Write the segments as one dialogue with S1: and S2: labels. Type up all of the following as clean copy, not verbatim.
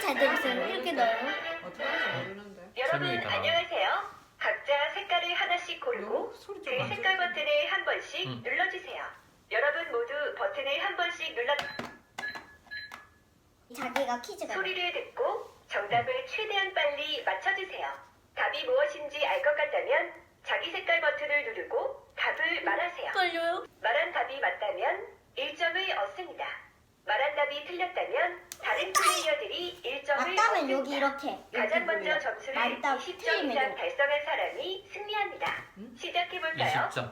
S1: 잘 들으세요. 이렇게 넣어요.
S2: 어떻게 하는지 모르는데.
S3: 여러분
S4: 재미있다.
S3: 안녕하세요. 각자 색깔을 하나씩 고르고
S2: 소리
S3: 그
S2: 좀 안
S3: 색깔
S2: 들리지?
S3: 버튼을 한 번씩 눌러주세요. 여러분 모두 버튼을 한 번씩
S1: 자기가 퀴즈가.
S3: 소리를 듣고 정답을 최대한 빨리 맞춰주세요. 답이 무엇인지 알 것 같다면 자기 색깔 버튼을 누르고 답을 말하세요.
S1: 걸려요?
S3: 말한 답이 맞다면 1점을 얻습니다. 말한 답이 틀렸다면 다른 플레이어들이 1점을
S1: 맞다면
S3: 얻습니다.
S1: 여기 이렇게.
S3: 가장 먼저 점수를
S1: 맞다,
S3: 20점
S1: 틀리면
S3: 이상
S1: 이거.
S3: 달성한 사람이 승리합니다. 시작해볼까요?
S4: 20점.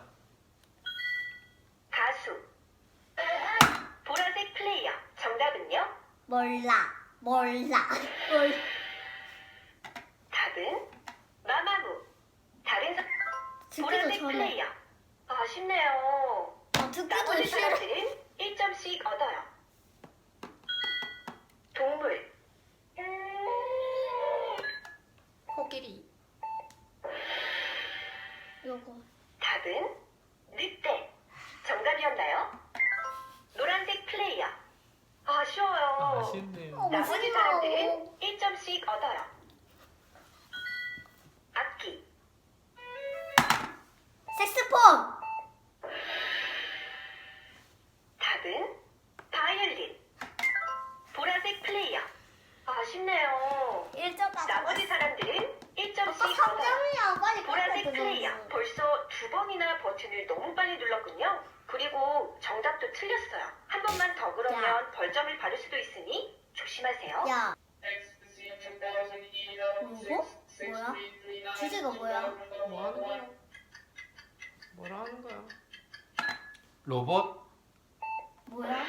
S3: 가수 보라색 플레이어 정답은요?
S1: 몰라.
S3: 답은 마마무 다른
S1: 듣기도
S3: 보라색
S1: 전에.
S3: 플레이어 아쉽네요.
S1: 듣기도
S3: 나머지
S1: 싫어.
S3: 사람들은 1점씩 얻어요. 동물
S2: 코끼리.
S1: 요거.
S3: 답은 늑대 정답이었나요? 노란색 플레이어 아쉬워요.
S4: 아쉽네요.
S3: 나머지 사람들은 1점씩 얻어요. 악기
S1: 색스폰.
S3: 답은 바이올린 보라색 플레이어 아쉽네요.
S1: 1점
S3: 나머지 사람들은 1점씩
S1: 아까
S3: 얻어요.
S1: 3점이야. 빨리
S3: 보라색
S1: 깎아야
S3: 플레이어
S1: 되잖아.
S3: 벌써 2번이나 버튼을 너무 빨리 눌렀군요. 그리고 정답도 틀렸어요. 한 번만 더 그러면
S1: 야.
S3: 벌점을 받을 수도 있으니 조심하세요.
S1: 야. 누구? 뭐야? 주제가 뭐야?
S2: 뭐 하는 거야? 뭐라 하는 거야?
S4: 로봇?
S1: 뭐야?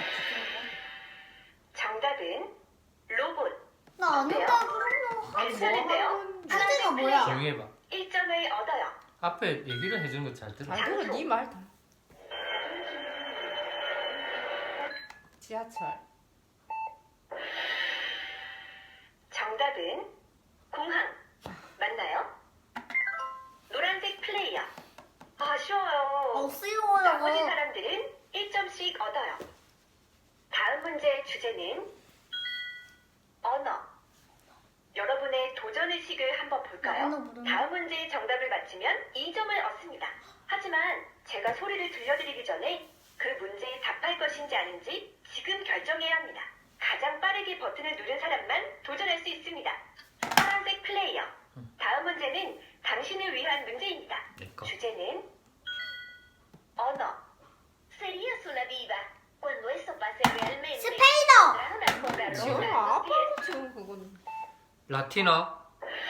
S3: 정답은 로봇.
S1: 나
S3: 어때요?
S1: 아는다 그러면.
S3: 괜찮은데요?
S1: 주제가 뭐야?
S4: 정해봐.
S3: 1점을 얻어요.
S4: 앞에 얘기를 해주는 거 잘 들어.
S2: 잘 들어, 니말 다. 지하철.
S3: 정답은 공항. 맞나요? 노란색 플레이어 아쉬워요. 나머지
S1: 쓰여요.
S3: 사람들은 1점씩 얻어요. 다음 문제의 주제는 언어. 여러분의 도전의식을 한번 볼까요?
S1: 언어 모르는데.
S3: 다음 문제의 정답을 맞히면 2점을 얻습니다. 하지만 제가 소리를 들려드리기 전에 그 문제에 답할 것인지 아닌지 지금 결정해야 합니다. 가장 빠르게 버튼을 누른 사람만 도전할 수 있습니다. 파란색 플레이어. 다음 문제는 당신을 위한 문제입니다.
S4: 내 거.
S3: 주제는 언어. Serías una diva cuando eso pase realmente.
S1: 스페인어.
S3: Tras una alfombra
S2: 지금
S3: roja a tus pies.
S2: 아빠도 지금 그건.
S4: 라틴어?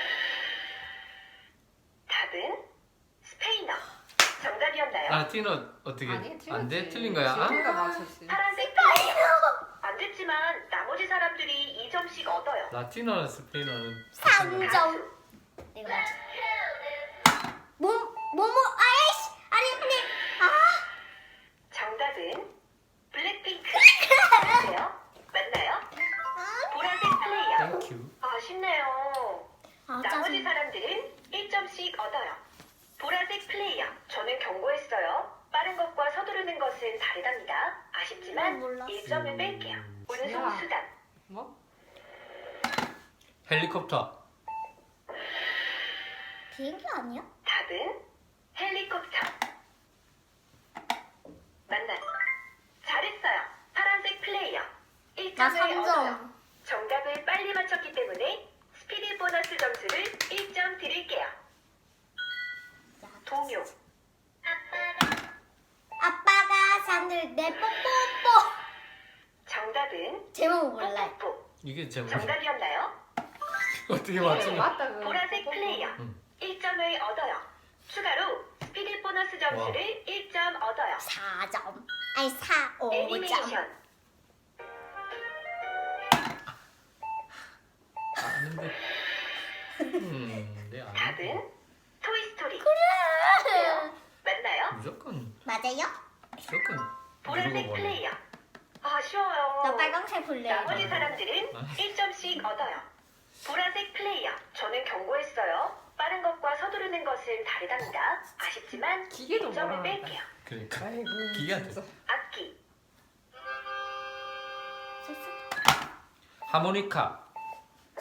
S3: 답은 스페인어. 정답이었나요?
S4: 라틴어 어떻게?
S2: 아니, 틀렸지.
S4: 안 돼? 틀린 거야?
S2: 지우가
S4: 아?
S2: 맞췄지.
S3: 파란색 플레이어. 안 됐지만 나머지 사람들이 2점씩 얻어요.
S4: 라틴어는 스페인어는
S1: 3점. 내가 맞춰. 아이씨. 아니.
S3: 정답은 블랙핑크. 맞나요? 맞나요? 보라색 플레이어.
S4: 땡큐.
S3: 아쉽네요.
S1: 아,
S3: 나머지
S1: 짜증.
S3: 사람들은 1점씩 얻어요. 보라색 플레이어. 저는 경고했어요. 빠른 것과 서두르는 것은 다르답니다. 아쉽지만
S1: 몰랐어.
S3: 1점을 뺄게요. 운송수단.
S2: 뭐?
S4: 헬리콥터.
S1: 비행기 아니야?
S3: 답은 헬리콥터. 맞나요? 잘했어요. 파란색 플레이어.
S1: 나
S3: 1점을 얻어요.
S1: 3점.
S3: 정답을 빨리 맞췄기 때문에 스피드 보너스 점수를 1점 드릴게요. 동요.
S1: 아빠가 산들 내 뽀뽀뽀.
S3: 정답은
S1: 제목 몰라.
S3: 뽀뽀뽀.
S4: 이게 제목.
S3: 정답이었나요?
S4: 어떻게 맞추면?
S2: 맞다 그.
S3: 보라색 플레이어. 1점을 얻어요. 추가로 스피드 보너스 점수를 1점 얻어요.
S1: 4점. 아니 5점.
S3: 애니메이션.
S4: 아는데. 네, 아는데.
S3: 답은 토이스토리.
S1: 그래.
S3: 맞나요?
S4: 무조건
S1: 맞아요?
S3: 보라색
S4: 누르고 보내.
S3: 플레이어. 아쉬워요.
S1: 나 빨강색 볼래.
S3: 나머지 사람들은 1점씩 얻어요. 보라색 플레이어. 저는 경고했어요. 빠른 것과 서두르는 것은 다르답니다. 아쉽지만
S2: 기계도
S3: 1점을
S2: 뭐라
S3: 뺄게요.
S4: 그러니까.
S2: 아이고.
S4: 기계한테.
S2: 진짜.
S3: 악기.
S4: 하모니카.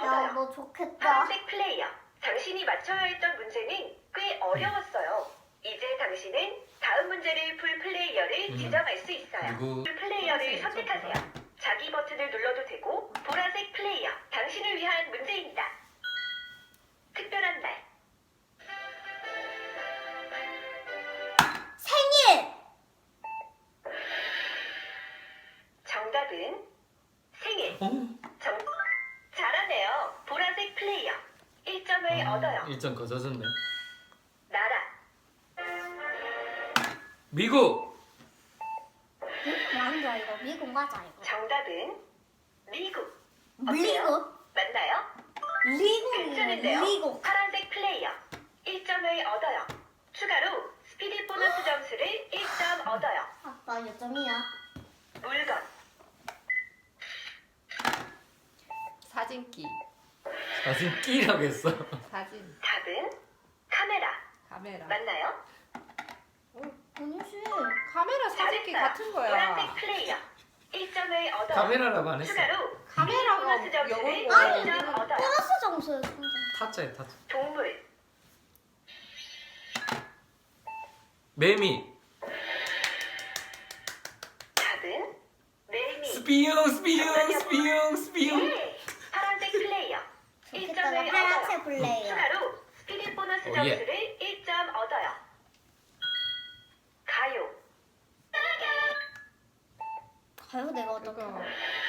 S3: 얻어요.
S1: 너 좋겠다.
S3: 파란색 플레이어. 당신이 맞춰야 했던 문제는 꽤 어려웠어요. 이제 당신은 다음 문제를 풀 플레이어를 지정할 수 있어요.
S4: 누구?
S3: 풀 플레이어를 선택하세요. 자기 버튼을 눌러도 되고 보라색 플레이어. 당신을 위한 문제입니다. 특별한 날.
S1: 생일.
S3: 정답은 생일.
S4: 어?
S3: 잘하네요. 보라색 플레이어. 1점을 얻어요.
S4: 1점 거저졌네.
S3: 나라.
S4: 미국.
S1: 미국 맞아 이거. 미국 맞아 이거.
S3: 정답은 미국.
S1: 미국?
S3: 맞나요?
S1: 미국이에요.
S3: 괜찮은데요?
S1: 미국.
S3: 파란색 플레이어 1점을 얻어요. 추가로 스피디 보너스 점수를 1점 얻어요.
S1: 아빠 몇 점이야?
S3: 물건.
S2: 사진기.
S4: 사진 끼라고 했어.
S2: 사진.
S3: 답은 카메라.
S2: 카메라.
S3: 맞나요?
S1: 아니지.
S2: 카메라 사진기
S3: 잘했어요.
S2: 같은 거야.
S3: 노란색 플레이어 1점을 얻어요.
S4: 카메라라고 안 했어.
S3: 추가로
S2: 카메라가
S3: 보너스 점수를
S2: 영어로
S3: 1점 얻어요.
S1: 보너스 점수요. 점수.
S4: 타짜야 타짜.
S3: 동물.
S4: 매미.
S3: 답은 매미.
S4: 스피용.
S3: 예! 파란색 플레이어 1점을
S1: 좋겠다. 나
S3: 얻어요.
S1: 파란색 플레이어.
S3: 추가로 스피디 보너스
S4: 오, 예.
S3: 점수를 1점 얻어요. 가요.
S1: 가요 내가 어떡해.
S2: 그거.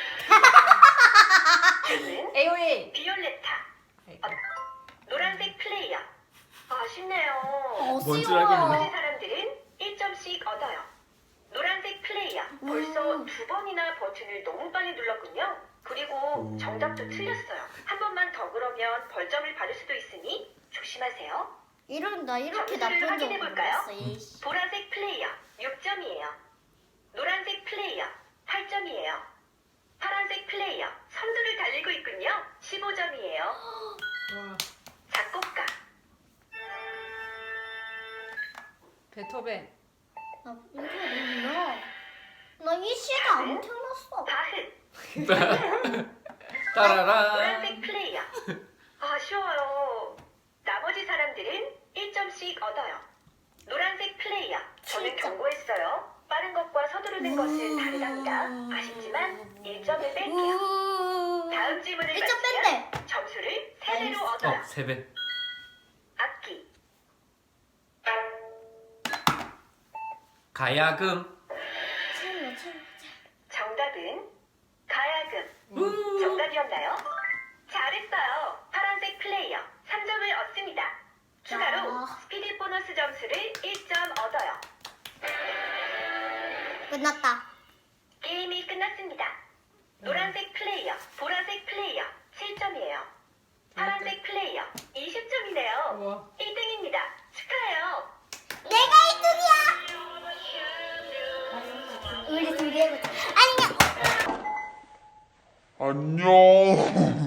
S3: 답은
S2: AOA.
S3: 비올레타. 노란색 플레이어. 아쉽네요.
S4: 뭔 줄
S1: 어시워.
S4: 알겠네.
S3: 나머지 사람들은 1점씩 얻어요. 노란색 플레이어. 벌써 2번이나 버튼을 너무 빨리 눌렀군요. 그리고 정답도 틀렸어요. 한 번만 더 그러면 벌점을 받을 수도 있으니 조심하세요.
S1: 나 이렇게
S3: 점수를
S1: 나쁜 적
S3: 확인해볼까요?
S1: 없어. 이씨.
S3: 보라색 플레이어 6점이에요. 노란색 플레이어 8점이에요. 파란색 플레이어 선두를 달리고 있군요. 15점이에요.
S2: 와.
S3: 작곡가.
S2: 베토벤.
S1: 나 이거 몰라. 나 이 시대 안 태어났어.
S3: 바흐.
S4: 따라라.
S3: 노란색 플레이어. 아쉬워요. 나머지 사람들은 1점씩 얻어요. 노란색 플레이어. 저는
S1: 7점.
S3: 경고했어요. 빠른 것과 서두르는 것은 다르답니다. 아쉽지만 1점을 뺄게요. 다음 질문을
S1: 1점
S3: 맞히면
S1: 뺀대.
S3: 점수를 3배로 얻어요.
S4: 3배.
S3: 악기.
S4: 가야금.
S1: 채워.
S3: 정답은 가야금. 정답이었나요? 잘했어요. 파란색 플레이어 3점을 얻습니다. 추가로
S1: 야.
S3: 스피디 보너스 점수를 1점 얻어요.
S1: 끝났다.
S3: 게임이 끝났습니다. 노란색 플레이어, 보라색 플레이어 7점이에요. 파란색 플레이어 20점이네요.
S2: 우와.
S3: 1등입니다. 축하해요.
S1: 내가 1등이야. 우리 둘이 해보자. 안녕.
S5: 안녕.